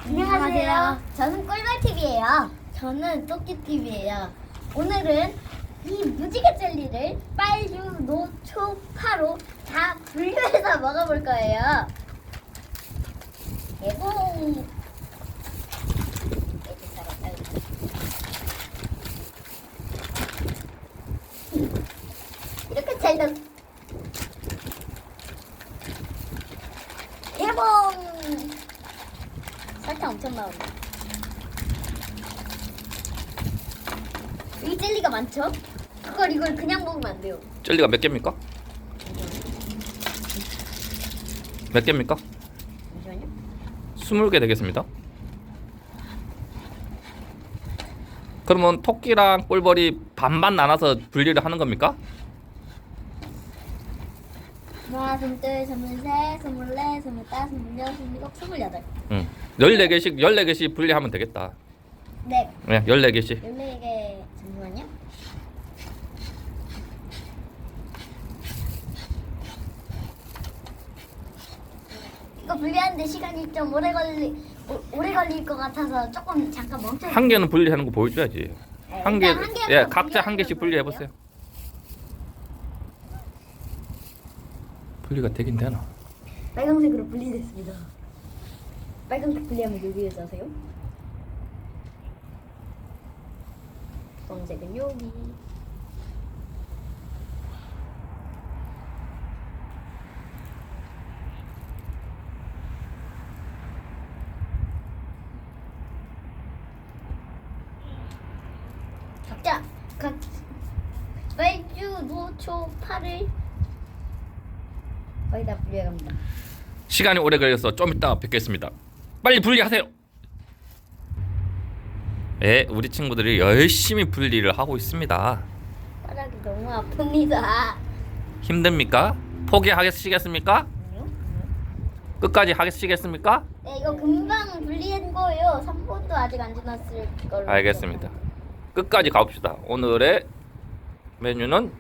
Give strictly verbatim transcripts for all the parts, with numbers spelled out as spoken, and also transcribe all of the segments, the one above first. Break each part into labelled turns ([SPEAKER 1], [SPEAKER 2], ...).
[SPEAKER 1] 안녕하세요. 저는 꿀벌티비예요. 저는 토끼티비예요. 오늘은 이 무지개 젤리를 빨주, 노, 초, 파로 다 분류해서 먹어볼 거예요. 예봉. 이렇게 잘 넣. 예봉. 설탕 엄청 나온다. 이 젤리가 많죠? 그걸 이걸 그냥 먹으면 안 돼요.
[SPEAKER 2] 젤리가 몇 개입니까? 몇 개입니까?
[SPEAKER 1] 잠시만요.
[SPEAKER 2] 스물 개 되겠습니다. 그러면 토끼랑 꿀벌이 반반 나눠서 분리를 하는 겁니까?
[SPEAKER 1] 하나, 스물둘, 스물셋, 스물넷, 스물다섯, 스물여섯, 스물일곱, 스물여덟.
[SPEAKER 2] 응. 열네 개씩 열네 개씩 분리하면 되겠다.
[SPEAKER 1] 네.
[SPEAKER 2] 네, 열네 개씩.
[SPEAKER 1] 열네 개. 잠시만요. 이거 분리하는데 시간이 좀 오래 걸리 오, 오래 걸릴 것 같아서 조금 잠깐 멈춰.
[SPEAKER 2] 한 개는 분리하는 거 보여줘야지.
[SPEAKER 1] 네,
[SPEAKER 2] 한 개,
[SPEAKER 1] 일단 한 개만
[SPEAKER 2] 예, 각자 한
[SPEAKER 1] 분리하는
[SPEAKER 2] 개씩
[SPEAKER 1] 거
[SPEAKER 2] 분리해
[SPEAKER 1] 보여드릴게요.
[SPEAKER 2] 보세요. 분리가 되긴 되나?
[SPEAKER 1] 빨간색으로 분리됐습니다. 빨간색 분리하면 여기에서 하세요. 주황색은 여기. 각자 각 빨주, 노초, 파를 거의 다 분리해갑니다.
[SPEAKER 2] 시간이 오래 걸려서 좀 이따 뵙겠습니다. 빨리 분리하세요. 예, 우리 친구들이 열심히 분리를 하고 있습니다.
[SPEAKER 1] 바닥이 너무 아픕니다.
[SPEAKER 2] 힘듭니까? 포기하시겠습니까? 끝까지 하시겠습니까?
[SPEAKER 1] 네, 이거 금방 분리한 거예요. 삼 분도 아직 안 지났을 걸로.
[SPEAKER 2] 알겠습니다. 끝까지 가봅시다. 오늘의 메뉴는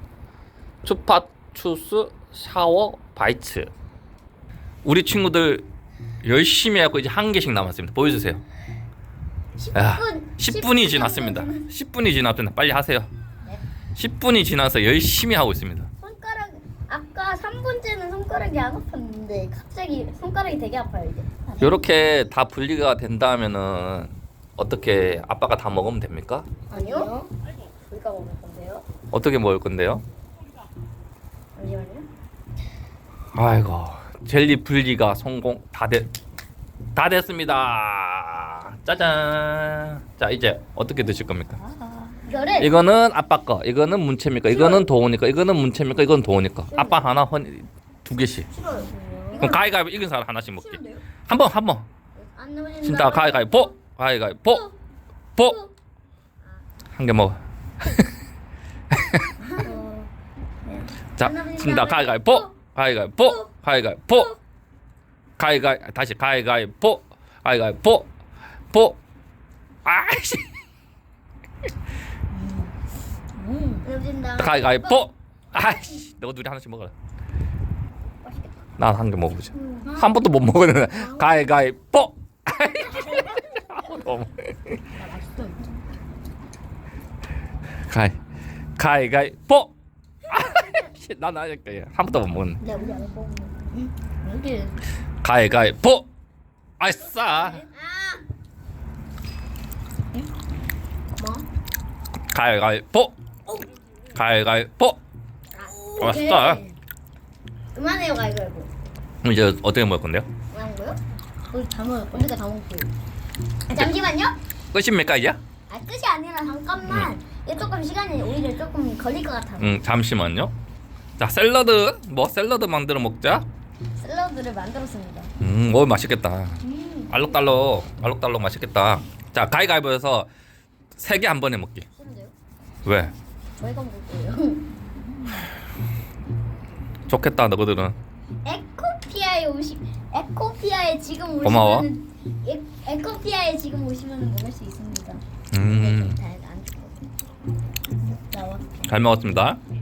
[SPEAKER 2] 추파추스 샤워 바이츠. 우리 친구들 열심히 하고 이제 한 개씩 남았습니다. 보여주세요. 야,
[SPEAKER 1] 십 분.
[SPEAKER 2] 십 분이 지났습니다. 십 분이 지났습니다. 빨리 하세요.
[SPEAKER 1] 네.
[SPEAKER 2] 십 분이 지나서 열심히 하고 있습니다.
[SPEAKER 1] 손가락 아까 삼 분째는 손가락이 안 아팠는데 갑자기 손가락이 되게 아파요 이제.
[SPEAKER 2] 이렇게 다 분리가 된다면은 어떻게 아빠가 다 먹으면 됩니까?
[SPEAKER 1] 아니요. 우리가 먹을 건데요.
[SPEAKER 2] 어떻게 먹을 건데요?
[SPEAKER 1] 잠시만요.
[SPEAKER 2] 아이고, 젤리 분리가 성공 다 됐, 다 됐습니다. 짜잔. 자, 이제 어떻게 드실 겁니까?
[SPEAKER 1] 이거를
[SPEAKER 2] 이거는 아빠 거, 이거는 문채입니까? 이거는 도우니까, 이거는 문채입니까? 이건 도우니까. 아빠 하나, 헌 두 개씩.
[SPEAKER 1] 싫어요.
[SPEAKER 2] 그럼 가위가위 이긴 사람 하나씩 먹기.
[SPEAKER 1] 싫은데요?
[SPEAKER 2] 한 번, 한 번.
[SPEAKER 1] 안 넘어진다.
[SPEAKER 2] 진짜 가위가위 보, 가위가위 보, 보. 한 개 먹어.
[SPEAKER 1] 어, 네.
[SPEAKER 2] 자, 진짜 가위가위 보, 가위가위 보, 가위가위 보, 가위가위 다시 가위가위 보, 가위가위 보, 보. 아이씨.
[SPEAKER 1] 음. 넘어진다.
[SPEAKER 2] 가위가위 보. 아이씨. 너희 둘이 하나씩 먹어라.
[SPEAKER 1] 맛있겠다.
[SPEAKER 2] 난 한 개 먹어보자.
[SPEAKER 1] 음.
[SPEAKER 2] 한 번도 못 먹었는데 가위가위 보. 너무.
[SPEAKER 1] 나 맛있어.
[SPEAKER 2] 가위 가위가위 보. 아이씨. 난 아직 한 번도 못 먹었네.
[SPEAKER 1] 내가 우리 안 먹는. 여기.
[SPEAKER 2] 가위가위 보. 아싸.
[SPEAKER 1] 아. 뭐?
[SPEAKER 2] 가위가위 보. 가위가위 보. 맛있다.
[SPEAKER 1] 그만해요 가위바위보.
[SPEAKER 2] 그럼 이제 어떻게 먹을 건데요?
[SPEAKER 1] 그만 거요? 우리 다 먹을 우리가 다 먹고요. 아, 잠시만요.
[SPEAKER 2] 끝입니까 이제?
[SPEAKER 1] 아 끝이 아니라 잠깐만. 이게 조금 시간이 오히려 조금 걸릴 것 같아서.
[SPEAKER 2] 응, 잠시만요. 자, 샐러드 뭐 샐러드 만들어 먹자.
[SPEAKER 1] 샐러드를 만들었습니다.
[SPEAKER 2] 음, 오 맛있겠다.
[SPEAKER 1] 음.
[SPEAKER 2] 알록달록 알록달록 맛있겠다. 자, 가위가위보에서 세 개 한 번에 먹기.
[SPEAKER 1] 싫은데요?
[SPEAKER 2] 왜?
[SPEAKER 1] 저희가 먹을 거예요.
[SPEAKER 2] 좋겠다 너희들은.
[SPEAKER 1] 에코피아에 오시 에코피아에 지금 오시면
[SPEAKER 2] 고마워.
[SPEAKER 1] 에, 에코피아에 지금 오시면 먹을 수 있습니다.
[SPEAKER 2] 음,
[SPEAKER 1] 잘안 죽거든요. 나와.
[SPEAKER 2] 잘 먹었습니다.